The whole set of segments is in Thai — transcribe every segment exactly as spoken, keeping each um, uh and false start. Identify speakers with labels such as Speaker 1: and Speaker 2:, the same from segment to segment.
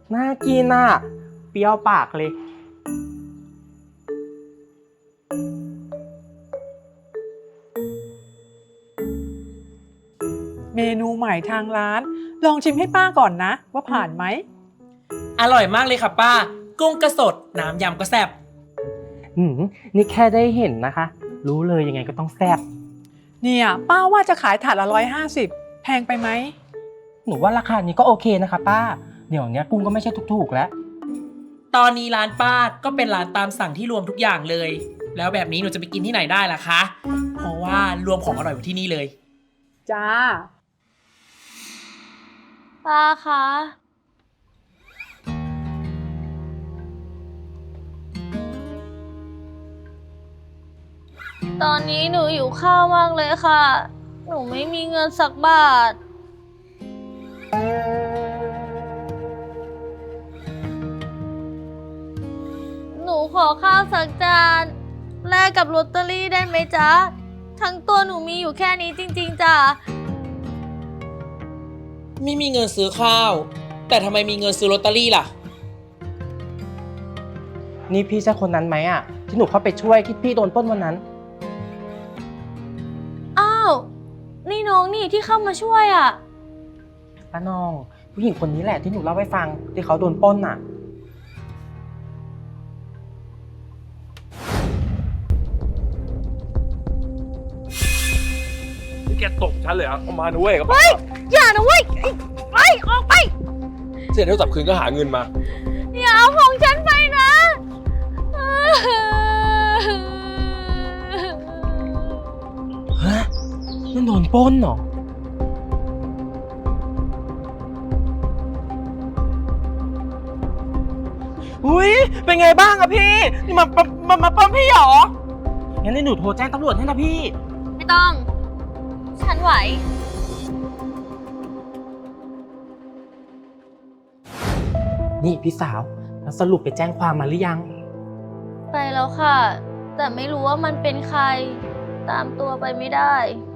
Speaker 1: น่ากินอ่ะเปรี้ยวปากเลย
Speaker 2: เมนูใหม่ทางร้านลองชิมให้ป้าก่อนนะว่าผ่านไหม
Speaker 3: อร่อยมากเลยค่ะป้ากุ้งก็สดน้ำยำก็แซ่บ
Speaker 1: หืมนี่แค่ได้เห็นนะคะรู้เลยยังไงก็ต้องแซ่บ
Speaker 2: เนี่ยป้าว่าจะขายถาดละร้อยห้าสิบแพงไปไหม
Speaker 1: หนูว่าราคานี้ก็โอเคนะคะป้าเดี๋ยวนี้กุ้งก็ไม่ใช่ถูกๆแล้ว
Speaker 3: ตอนนี้ร้านป้าก็เป็นร้านตามสั่งที่รวมทุกอย่างเลย แล้วแบบนี้หนูจะไปกินที่ไหนได้ล่ะคะเพราะว่ารวมของอร่อยไว้ที่นี่เลย
Speaker 2: จ้า
Speaker 4: ป้าคะตอนนี้หนูหิวข้าวมากเลยค่ะหนูไม่มีเงินสักบาทหนูขอข้าวสักจานแลกกับลอตเตอรี่ได้ไหมจ๊ะทั้งตัวหนูมีอยู่แค่นี้จริงๆจ้ะ
Speaker 3: ไม่มีเงินซื้อข้าวแต่ทำไมมีเงินซื้อลอตเตอรี่ล่ะ
Speaker 1: นี่พี่ใช่คนนั้นไหมอ่ะที่หนูเข้าไปช่วยที่พี่โดนปล้นวันนั้น
Speaker 4: อ้าวนี่น้องนี่ที่เข้ามาช่วยอ่ะ
Speaker 1: ป้าน้องผู้หญิงคนนี้แหละที่หนูเล่าให้ฟังที่เขาโดนปล้นอ่ะ
Speaker 5: แกตกฉันเลยอ่ะเอามาหนูเว้ยกับ
Speaker 4: เฮ้ยอย่านะเว้ยไปออกไป
Speaker 5: เสียเท่าจับคืนก็หาเงินมา
Speaker 4: อย่าเอาของฉันไปนะ
Speaker 1: ฮะนั่นโดนปล้นเหรออุ้ยเป็นไงบ้างอะพี่นี่มามามาปล้นพี่เหรองั้นให้หนูโทรแจ้งตำรวจให้นะพี่
Speaker 4: ไม่ต้อง ฉันไหว
Speaker 1: นี่พี่สาวแล้วสรุปไปแจ้งความมาหรือยัง
Speaker 4: ไปแล้วค่ะ แต่ไม่รู้ว่ามันเป็นใคร ตามตัวไปไม่ได้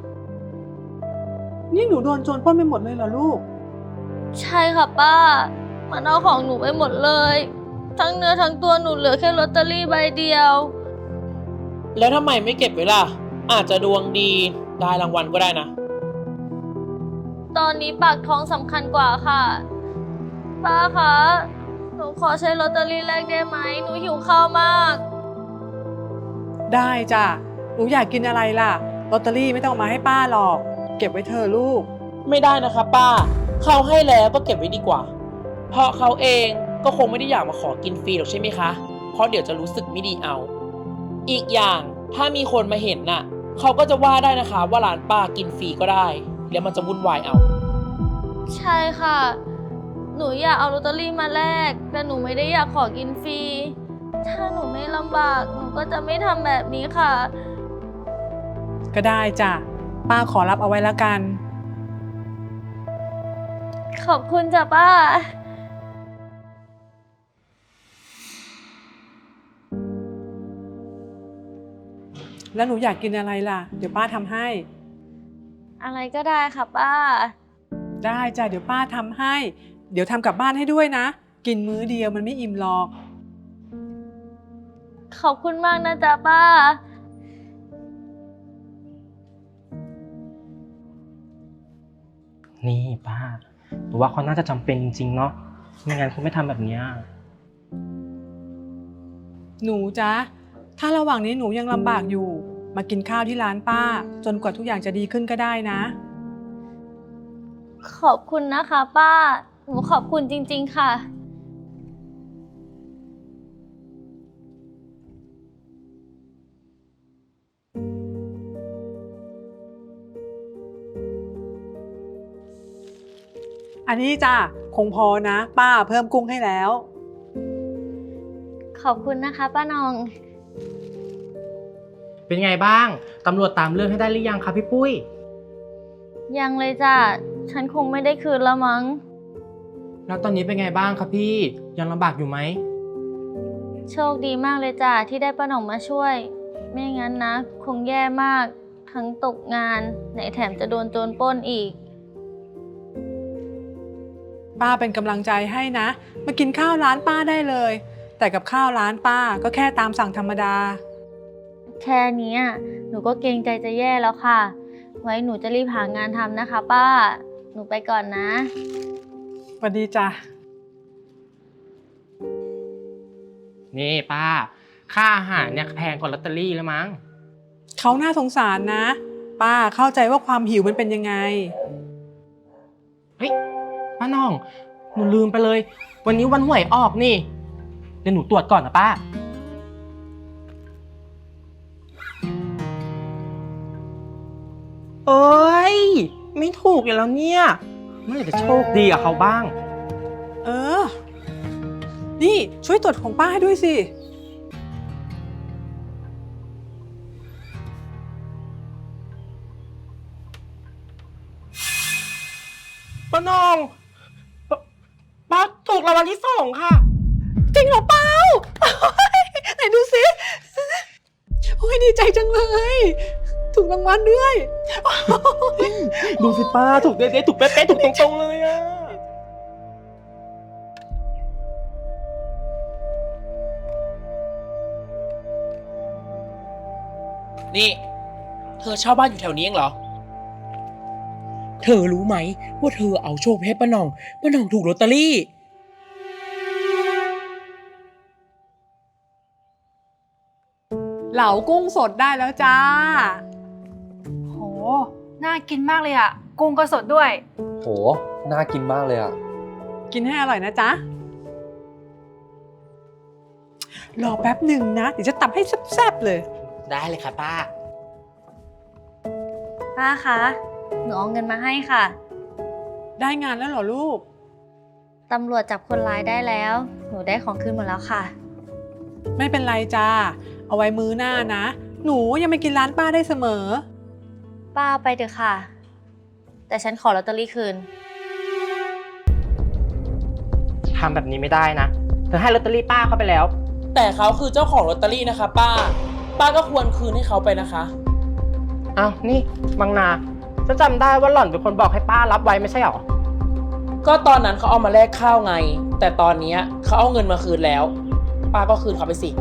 Speaker 2: นี่หนูโดนโจรปล้นไปหมดเลยเหรอลูก
Speaker 4: ใช่ค่ะป้า มันเอาของหนูไปหมดเลย ทั้งเนื้อทั้งตัวหนูเหลือแค่ลอตเตอรี่ใบเดียว
Speaker 3: แล้วทำไมไม่เก็บไว้ล่ะอาจจะดวงดีได้รางวัลก็ได้นะ
Speaker 4: ตอนนี้ปากท้องสำคัญกว่าค่ะ ป้าคะ หนูขอใช้ลอตเตอรี่แลกได้ไหม หนูหิวข้าวมาก
Speaker 2: ได้จ้ะหนูอยากกินอะไรล่ะลอตเตอรี่ไม่ต้องเอามาให้ป้าหรอกเก็บไว้เธอะลูก
Speaker 3: ไม่ได้นะคะป้าเขาให้แล้วก็เก็บไว้ดีกว่าเพราะเขาเองก็คงไม่ได้อยากมาขอกินฟรีหรอกใช่ไหมคะเพราะเดี๋ยวจะรู้สึกไม่ดีเอาอีกอย่างถ้ามีคนมาเห็นน่ะเขาก็จะว่าได้นะคะว่าร้านป้ากินฟรีก็ได้แล้วมันจะวุ่นวายเอา
Speaker 4: ใช่ค่ะ หนูอยากเอาลอตเตอรี่มาแลกแต่หนูไม่ได้อยากขอกินฟรี ถ้าหนูไม่ลำบากหนูก็จะไม่ทำแบบนี้ค่ะ
Speaker 2: ก็ได้จ้ะป้าขอรับเอาไว้แล้วกัน
Speaker 4: ขอบคุณจ้ะป้า
Speaker 2: แล้วหนูอยากกินอะไรล่ะเดี๋ยวป้าทำให้
Speaker 4: อะไรก็ได้ค่ะป้า
Speaker 2: ได้จ้ะเดี๋ยวป้าทำให้เดี๋ยวทำกลับบ้านให้ด้วยนะกินมื้อเดียวมันไม่อิ่มหรอก
Speaker 4: ขอบคุณมากนะจ๊ะป้า
Speaker 1: นี่ป้าหรือว่าเขาน่าจะจำเป็นจริงๆเนาะไม่งั้นเขาไม่ทำแบบนี้
Speaker 2: หนูจ๊ะถ้าระหว่างนี้หนูยังลำบากอยู่มากินข้าวที่ร้านป้าจนกว่าทุกอย่างจะดีขึ้นก็ได้นะ
Speaker 4: ขอบคุณนะคะป้าหนูขอบคุณจริงๆค่ะ
Speaker 2: อันนี้จ้ะคงพอนะป้าเพิ่มกุ้งให้แล้ว
Speaker 4: ขอบคุณนะคะป้านอง
Speaker 1: เป็นไงบ้างตำรวจตามเรื่องให้ได้หรือยังคะพี่ปุ้ย
Speaker 4: ยังเลยจ้ะฉันคงไม่ได้คืนละมั้ง
Speaker 1: แล้วตอนนี้เป็นไงบ้างครับพี่ยังลำบากอยู่ไหม
Speaker 4: โชคดีมากเลยจ้ะที่ได้ป้าหน่องมาช่วยไม่งั้นนะคงแย่มากทั้งตกงานไหนแถมจะโดนโจรปล้นอีก
Speaker 2: ป้าเป็นกำลังใจให้นะ มากินข้าวร้านป้าได้เลย แต่กับข้าวร้านป้าก็แค่ตามสั่งธรรมดา
Speaker 4: แค่เนี้ยหนูก็เกรงใจจะแย่แล้วค่ะ ไว้หนูจะรีบหางานทำนะคะ ป้า หนูไปก่อนนะ
Speaker 2: สวัสดีจ้ะ
Speaker 1: นี่ป้า ค่าอาหารเนี่ยแพงกว่าลอตเตอรี่แล้วมั้ง
Speaker 2: เขาน่าสงสารนะ ป้าเข้าใจว่าความหิวมันเป็นยังไง
Speaker 1: เฮ้ยป้าน้อง หนูลืมไปเลย วันนี้วันหวยออกนี่ เดี๋ยวหนูตรวจก่อนนะป้า เอ้ย ไม่ถูกอย่างแล้วเนี่ยเมื่อไหร่จะโชคดีกับเขาบ้าง
Speaker 2: เออ นี่ช่วยตรวจของป้าให้ด้วยสิ
Speaker 1: ป้าน้องปป้าถูกรางวัลที่สองค่ะ
Speaker 2: จริงเหรอเปล่า ไหนดูสิโอ้ยดีใจจังเลย ถูกรางวัลด้วย
Speaker 1: ดูสิป้าถูกเด๊ะๆถูกเป๊ะๆถูกตรงๆเลยอะ
Speaker 3: นี่ เธอเช่าบ้านอยู่แถวนี้เองเหรอ เธอรู้ไหมว่าเธอเอาโชคไปให้ป้าหน่องป้าหน่องถูกลอตเตอรี่
Speaker 2: เหลากุ้งสดได้แล้วจ้า
Speaker 6: โห น่ากินมากเลยอะกุ้งก็สดด้วย
Speaker 5: โห น่ากินมากเลยอ่ะ
Speaker 2: กินให้อร่อยนะจ๊ะ รอแป๊บหนึ่งนะ เดี๋ยวจะตับให้แซ่บๆเลย
Speaker 3: ได้เลยค่ะป้า
Speaker 4: ป้าคะ หนูเอาเงินมาให้ค่ะ
Speaker 2: ได้งานแล้วเหรอลูก
Speaker 4: ตำรวจจับคนร้ายได้แล้ว หนูได้ของคืนหมดแล้วค่ะ
Speaker 2: ไม่เป็นไรจ้า เอาไว้มื้อหน้านะ หนูยังไม่กินร้านป้าได้เสมอ
Speaker 4: ป้าไปเถอะค่ะ แต่ฉันขอลอตเตอรี่คืน
Speaker 1: ทำแบบนี้ไม่ได้นะเธอให้ลอตเตอรี่ป้าเข้าไปแล้ว
Speaker 3: แต่เขาคือเจ้าของลอตเตอรี่นะคะ ป้า ป้าก็ควรคืนให้เขาไปนะคะ
Speaker 1: อ้าว นี่บางนาฉันจำได้ว่าหล่อนเป็นคนบอกให้ป้ารับไว้ไม่ใช่หรอ
Speaker 3: ก็ตอนนั้นเขาเอามาแลกข้าวไง แต่ตอนนี้เขาเอาเงินมาคืนแล้ว ป้าก็คืนเขาไปสิ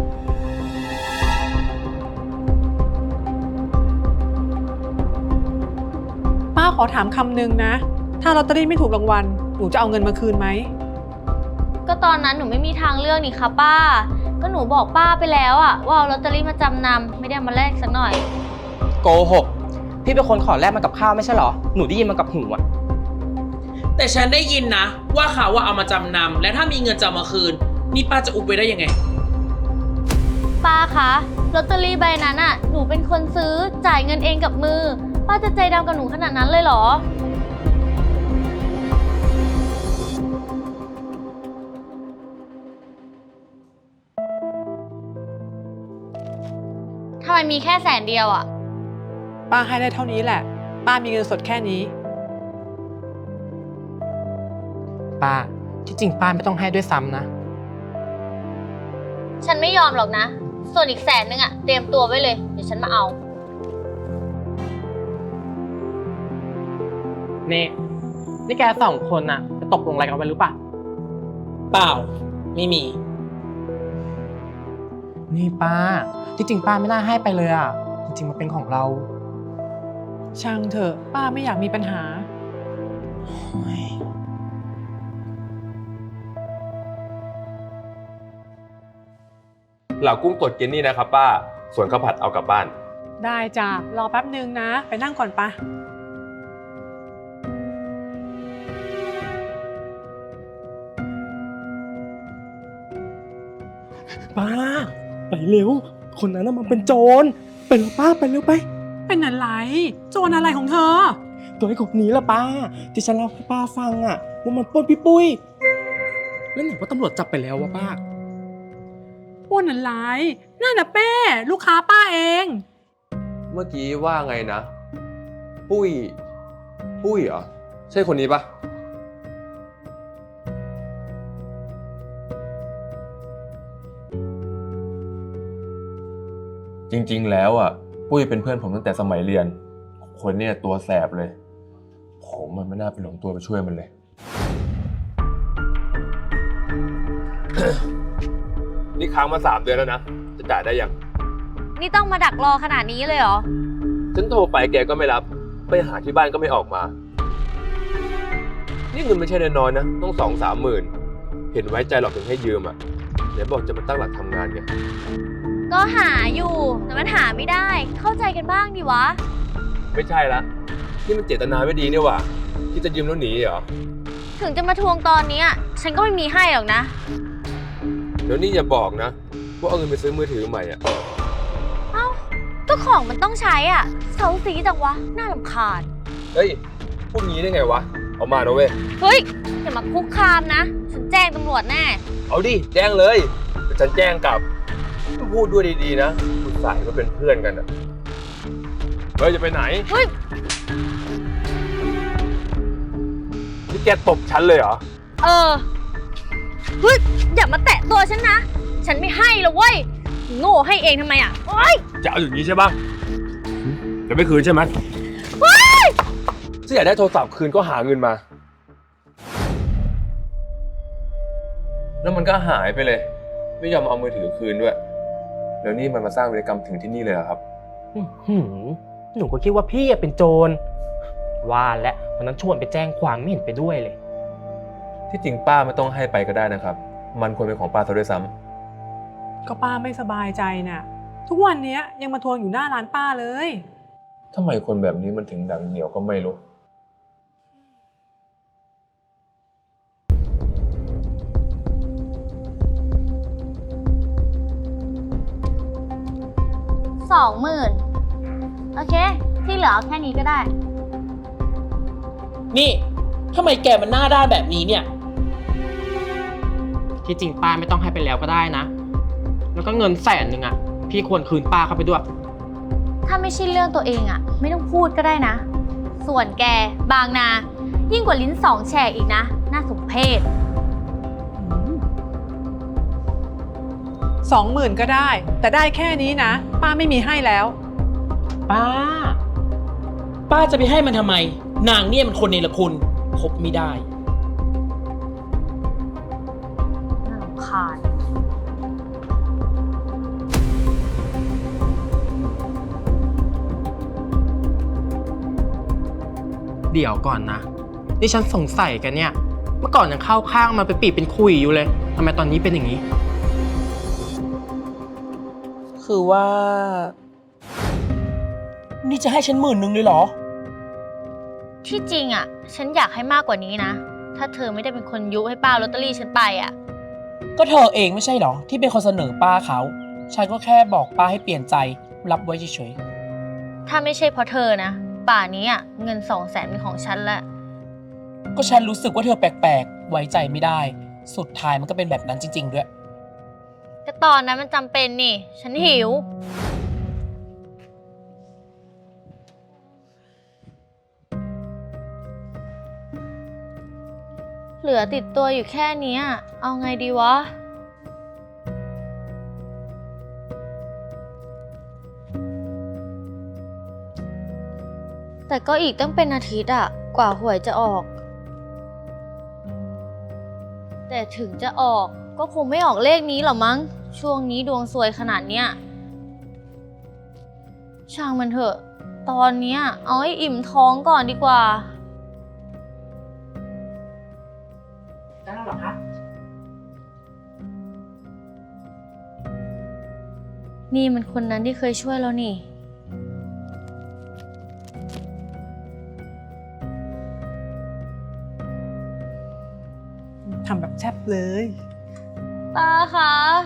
Speaker 2: ป้าขอถามคำหนึ่งนะ ถ้าลอตเตอรี่ไม่ถูกรางวัล หนูจะเอาเงินมาคืนไหม
Speaker 4: ก็ตอนนั้นหนูไม่มีทางเลือกนี่คะป้า ก็หนูบอกป้าไปแล้วอะว่าเอาลอตเตอรี่มาจำนำไม่ได้เอามาแลกสักหน่อย
Speaker 1: โกหก พี่เป็นคนขอแลกมากับข้าวไม่ใช่หรอ หนูได้ยินมากับหูอะ
Speaker 3: แต่ฉันได้ยินนะ ว่าเขาว่าเอามาจำนำและถ้ามีเงินจะเอามาคืน นี่ป้าจะอุบไปได้ยังไง
Speaker 4: ป้าคะลอตเตอรี่ใบนั้นอะหนูเป็นคนซื้อจ่ายเงินเองกับมือ ป้าจะใจดำกับหนูขนาดนั้นเลยเหรอ ทำไมมีแค่แสนเดียวอะ
Speaker 2: ป้าให้ได้เท่านี้แหละ ป้ามีเงินสดแค่นี้
Speaker 1: ป้า ที่จริงป้าไม่ต้องให้ด้วยซ้ำนะ
Speaker 4: ฉันไม่ยอมหรอกนะ ส่วนอีกแสนนึงอะเตรียมตัวไว้เลย เดี๋ยวฉันมาเอา
Speaker 1: นี่ นี่แกสองคนน่ะจะตกลงอะไรกันไว้หรือเปล่า
Speaker 3: เปล่า ไม่มี
Speaker 1: นี่ป้า ที่จริงป้าไม่น่าให้ไปเลยอ่ะ จริงๆมันเป็นของเรา
Speaker 2: ช่างเถอะ ป้าไม่อยากมีปัญหา
Speaker 5: เหล่ากุ้งตดกินนี่นะครับป้า ส่วนข้าวผัดเอากลับบ้าน
Speaker 2: ได้จ้ะ รอแป๊บหนึ่งนะ ไปนั่งก่อนปะ
Speaker 1: ป้า ไปเร็ว คนนั้นน่ะมันเป็นโจรไปเร็วป้าไปเร็วไป
Speaker 2: เป็นอะไร โจรอะไรของเธอ
Speaker 1: ตัวไอ้กบนี้ละป้า ที่ฉันเล่าให้ป้าฟังอ่ะว่ามันปล้นพี่ปุ้ย แล้วไหนว่าตำรวจจับไปแล้ววะป้า
Speaker 2: อ้วนอะไรนั่นน่ะเป้ ลูกค้าป้าเอง
Speaker 5: เมื่อกี้ว่าไงนะ ปุ้ย ปุ้ยเหรอ ใช่คนนี้ปะจริงๆแล้วอ่ะ ปุ้ยเป็นเพื่อนผมตั้งแต่สมัยเรียน คนเนี่ยตัวแสบเลย ผมมันไม่น่าไปหลงตัวไปช่วยมันเลยนี่ค้างมาสามเดือนแล้วนะ จะจ่ายได้ยัง
Speaker 4: นี่ต้องมาดักรอขนาดนี้เลยเหรอ
Speaker 5: ฉันโทรไปแกก็ไม่รับ ไปหาที่บ้านก็ไม่ออกมา นี่เงินไม่ใช่น้อยๆนะ ต้องสองสามหมื่น เห็นไว้ใจหรอกถึงให้ยืมอ่ะเดี๋ยวบอกจะมาตั้งหลักทำงานไง
Speaker 4: ก็หาอยู่ แต่มันหาไม่ได้ เข้าใจกันบ้างดิวะ
Speaker 5: ไม่ใช่ละ นี่มันเจตนาไม่ดีนี่หว่าที่จะยืมแล้วหนีเหรอ
Speaker 4: ถึงจะมาทวงตอนเนี้ยฉันก็ไม่มีให้หรอกนะ
Speaker 5: เดี๋ยวนี้อย่าบอกนะว่าเอาเงินไปซื้อมือถือใหม่อ่ะ
Speaker 4: เอ้า ก็ของมันต้องใช้อ่ะเซาซีจังวะ น่ารำคาญ
Speaker 5: เฮ้ย พูดงี้ได้ไงวะ เอามานะเว้ย
Speaker 4: เฮ้ย อย่ามาคุกคามนะ ฉันแจ้งตำรวจแน่
Speaker 5: เอาดิ แจ้งเลยเดี๋ยวฉันแจ้งกลับ พูดด้วยดีๆนะคุณสายก็เป็นเพื่อนกันอ่ะ เฮ้ย จะไปไหน
Speaker 4: เฮ้ย
Speaker 5: นี่แกตบฉันเลยเหรอ
Speaker 4: เออ เฮ้ย อย่ามาแตะตัวฉันนะ ฉันไม่ให้หรอกเว้ย โง่ให้เองทำไมอ่ะโอ๊ย
Speaker 5: จะเอาอย่างนี้ใช่ปะจะไม่คืนใช่ไหม
Speaker 4: เฮ้ย
Speaker 5: ถ้าอยากได้โทรศัพท์คืนก็หาเงินมา แล้วมันก็หายไปเลย ไม่ยอมเอามือถือคืนด้วย แล้วนี่มันมาสร้างวีรกรรมถึงที่นี่เลยเหรอครับ
Speaker 1: อื้อหือหนูก็คิดว่าพี่อะเป็นโจร ว่าและวันนั้นชวนไปแจ้งความไม่เห็นไปด้วยเลย
Speaker 5: ที่จริงป้าไม่ต้องให้ไปก็ได้นะครับ มันควรเป็นของป้าซะด้วยซ้ำ
Speaker 2: ก็ป้าไม่สบายใจน่ะ ทุกวันเนี้ยยังมาทวงอยู่หน้าร้านป้าเลย
Speaker 5: ทำไมคนแบบนี้มันถึงดังเหนียวก็ไม่รู้
Speaker 4: สองหมื่นโอเค ที่เหลือเอาแค่นี้ก็ได้
Speaker 3: นี่ทำไมแกมันหน้าด้านแบบนี้เนี่ย
Speaker 1: ที่จริงป้าไม่ต้องให้ไปแล้วก็ได้นะ แล้วก็เงินแสนหนึ่งอะพี่ควรคืนป้าเข้าไปด้วย
Speaker 4: ถ้าไม่ใช่เรื่องตัวเองอะไม่ต้องพูดก็ได้นะ ส่วนแกบางนา ยิ่งกว่าลิ้นสองแฉกอีกนะ น่าสมเพช
Speaker 2: สองหมื่นก็ได้ แต่ได้แค่นี้นะ ป้าไม่มีให้แล้ว
Speaker 3: ป้า ป้าจะไปให้มันทำไม นางเนี่ยมันคนเนรคุณคบไม่ได้
Speaker 4: น่ารำคาญ
Speaker 1: เดี๋ยวก่อนนะนี่ฉันสงสัยกันเนี่ย เมื่อก่อนยังเข้าข้างมันเป็นปีเป็นคุยอยู่เลยทำไมตอนนี้เป็นอย่างนี้
Speaker 3: คือว่า นี่จะให้ฉันหมื่นหนึ่งเลยเหรอ
Speaker 4: ที่จริงอะฉันอยากให้มากกว่านี้นะ ถ้าเธอไม่ได้เป็นคนยุให้ป้าลอตเตอรี่ฉันไปอะ
Speaker 3: ก็เธอเองไม่ใช่เหรอ ที่เป็นคนเสนอป้าเขา ฉันก็แค่บอกป้าให้เปลี่ยนใจ รับไว้เฉย
Speaker 4: ถ้าไม่ใช่เพราะเธอนะ ป่านนี้อะเงินสองแสนเป็นของฉันละ
Speaker 3: ๆ ก็ฉันรู้สึกว่าเธอแปลกๆ ไว้ใจไม่ได้ สุดท้ายมันก็เป็นแบบนั้นจริงๆด้วย
Speaker 4: ก็ตอนนั้นมันจำเป็นนี่ ฉันหิว เหลือติดตัวอยู่แค่เนี้ยเอาไงดีวะ แต่ก็อีกตั้งเป็นอาทิตย์อะกว่าหวยจะออก แต่ถึงจะออกก็คงไม่ออกเลขนี้หรอมั้ง ช่วงนี้ดวงซวยขนาดเนี้ย ช่างมันเถอะ ตอนเนี้ยเอาให้อิ่มท้องก่อนดีกว่า
Speaker 1: ได้หรอคะ
Speaker 4: นี่มันคนนั้นที่เคยช่วยเรานี่
Speaker 2: ทำแบบแซ่บเลย
Speaker 4: ป้าคะ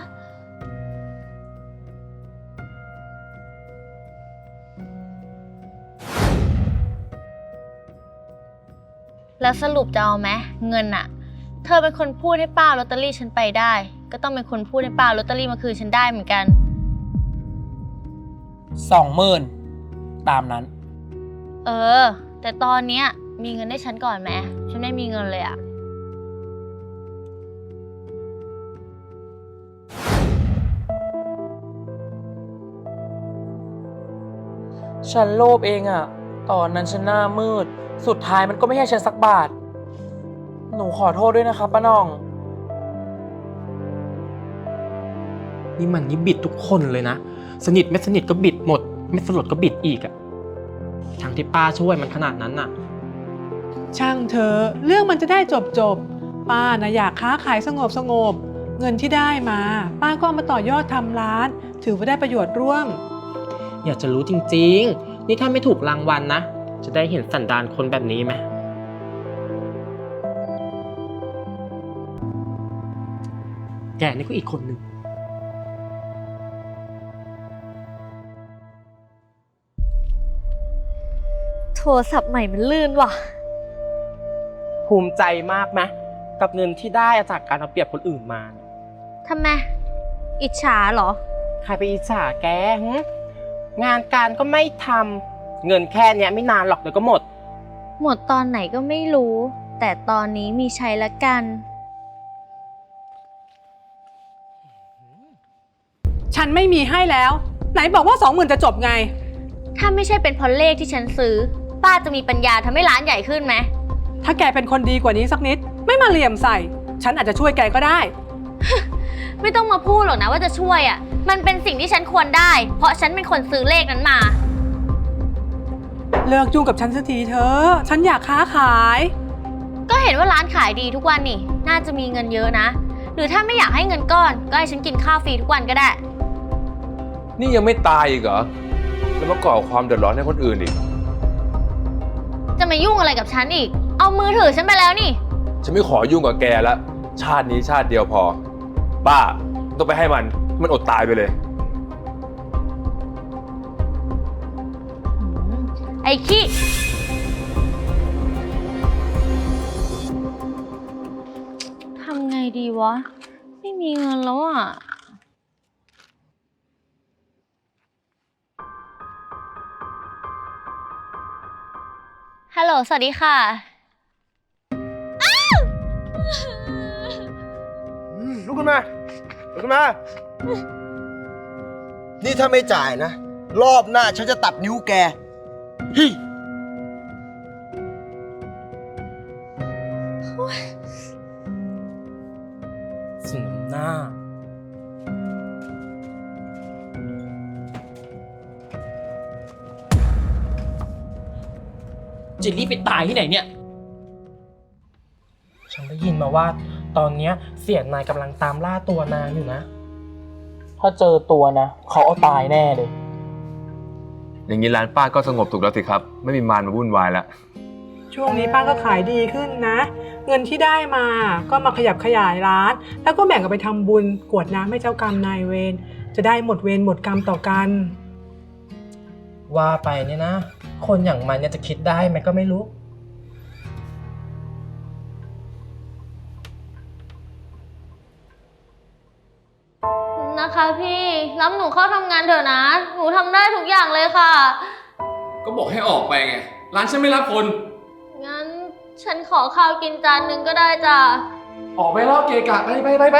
Speaker 4: แล้วสรุปจะเอาไหมเงินอะเธอเป็นคนพูดให้ป้าลอตเตอรี่ฉันไปได้ ก็ต้องเป็นคนพูดให้ป้าลอตเตอรี่มาคืนฉันได้เหมือนกัน
Speaker 3: สองหมื่นตามนั้น
Speaker 4: เออ แต่ตอนเนี้ยมีเงินให้ฉันก่อนไหมฉันไม่มีเงินเลยอะ
Speaker 3: ฉันโลภเองอะตอนนั้นฉันหน้ามืด สุดท้ายมันก็ไม่ให้ฉันสักบาท หนูขอโทษด้วยนะครับป้าน้อง
Speaker 1: นี่มันนี่บิดทุกคนเลยนะ สนิทไม่สนิทก็บิดหมด ไม่สลดก็บิดอีกอะทั้งที่ป้าช่วยมันขนาดนั้นน่ะ
Speaker 2: ช่างเธอะเรื่องมันจะได้จบจบๆป้านะอยากค้าขายสงบสงบเงินที่ได้มา ป้าก็เอามาต่อยอดทำร้าน ถือว่าได้ประโยชน์ร่วม
Speaker 1: อยากจะรู้จริงๆ นี่ถ้าไม่ถูกรางวัลนะ จะได้เห็นสันดานคนแบบนี้ไหมแกนี่ก็อีกคนหนึ่ง
Speaker 4: โทรศัพท์ใหม่มันลื่นว่ะ
Speaker 1: ภูมิใจมากไหมกับเงินที่ได้จากการเอาเปรียบคนอื่นมา
Speaker 4: ทำไม อิจฉาเหรอ
Speaker 1: ใครไปอิจฉาแกหึงานการก็ไม่ทำเงินแค่เนี้ยไม่นานหรอกเดี๋ยวก็หมด
Speaker 4: หมดตอนไหนก็ไม่รู้ แต่ตอนนี้มีใช้ละกัน
Speaker 2: ฉันไม่มีให้แล้ว ไหนบอกว่าสองหมื่นจะจบไง
Speaker 4: ถ้าไม่ใช่เป็นเพราะเลขที่ฉันซื้อ ป้าจะมีปัญญาทำให้ร้านใหญ่ขึ้นไหม
Speaker 2: ถ้าแกเป็นคนดีกว่านี้สักนิด ไม่มาเหลี่ยมใส่ ฉันอาจจะช่วยแกก็ได้
Speaker 4: ไม่ต้องมาพูดหรอกนะว่าจะช่วยอ่ะ มันเป็นสิ่งที่ฉันควรได้ เพราะฉันเป็นคนซื้อเลขนั้นมา
Speaker 2: เลิกยุ่งกับฉันสักทีเถอะ ฉันอยากค้าขาย
Speaker 4: ก็เห็นว่าร้านขายดีทุกวันนี่ น่าจะมีเงินเยอะนะ หรือถ้าไม่อยากให้เงินก้อน ก็ให้ฉันกินข้าวฟรีทุกวันก็ได้
Speaker 5: นี่ยังไม่ตายอีกเหรอ แล้วมาก่อความเดือดร้อนให้คนอื่นอีก
Speaker 4: จะมายุ่งอะไรกับฉันอีก เอามือถือฉันไปแล้วนี่
Speaker 5: ฉันไม่ขอยุ่งกับแกแล้ว ชาตินี้ชาติเดียวพอ ป้าต้องไปให้มัน มันอดตายไปเลย
Speaker 4: ไอ้ขี้ทำไงดีวะ ไม่มีเงินแล้วอ่ะ ฮัลโหล สวัสดีค่ะ
Speaker 7: ลุกขึ้นมาลุกขึ้นมา นี่ถ้าไม่จ่ายนะ รอบหน้าฉันจะตัดนิ้วแกฮิ
Speaker 1: สนมหน้า
Speaker 3: จะรีบไปตายที่ไหนเนี่ย
Speaker 1: ฉันได้ยินมาว่า ตอนเนี้ยเสียนายกำลังตามล่าตัวนางอยู่นะ ถ้าเจอตัวนะเขาเอาตายแน่เลย
Speaker 5: อย่างนี้ร้านป้าก็สงบถูกแล้วสิครับ ไม่มีมารมาวุ่นวายแล้ว
Speaker 2: ช่วงนี้ป้าก็ขายดีขึ้นนะ เงินที่ได้มาก็มาขยับขยายร้าน แล้วก็แบ่งกันไปทำบุญกรวดน้ำให้เจ้ากรรมนายเวร จะได้หมดเวรหมดกรรมต่อกัน
Speaker 1: ว่าไปเนี่ยนะ คนอย่างมันเนี่ยจะคิดได้ไหมก็ไม่รู้
Speaker 4: นะคะพี่รับหนูเข้าทำงานเถอะนะ หนูทำได้ทุกอย่างเลยค่ะ
Speaker 8: ก็บอกให้ออกไปไง ร้านฉันไม่รับคน
Speaker 4: งั้นฉันขอข้าวกินจานหนึ่งก็ได้จ้ะ
Speaker 8: ออกไปแล้วเกะกะไปไปไปไป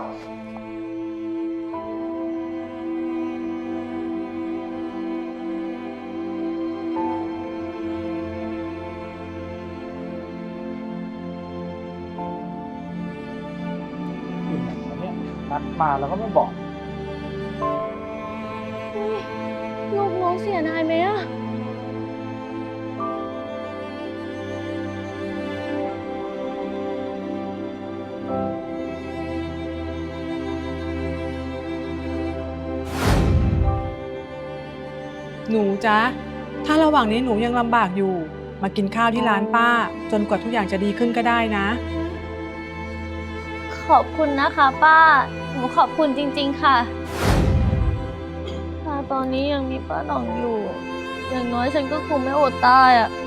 Speaker 1: นัดมาแล้วก็ไม่บอก
Speaker 4: ลูกน้องเสียนายไหมอะ
Speaker 2: หนูจ๊ะ ถ้าระหว่างนี้หนูยังลำบากอยู่ มากินข้าวที่ร้านป้า จนกว่าทุกอย่างจะดีขึ้นก็ได้นะ
Speaker 4: ขอบคุณนะคะป้า หนูขอบคุณจริงๆค่ะถ้าตอนนี้ยังมีป้าหน่องอยู่ อย่างน้อยฉันก็คงไม่อดตายอะ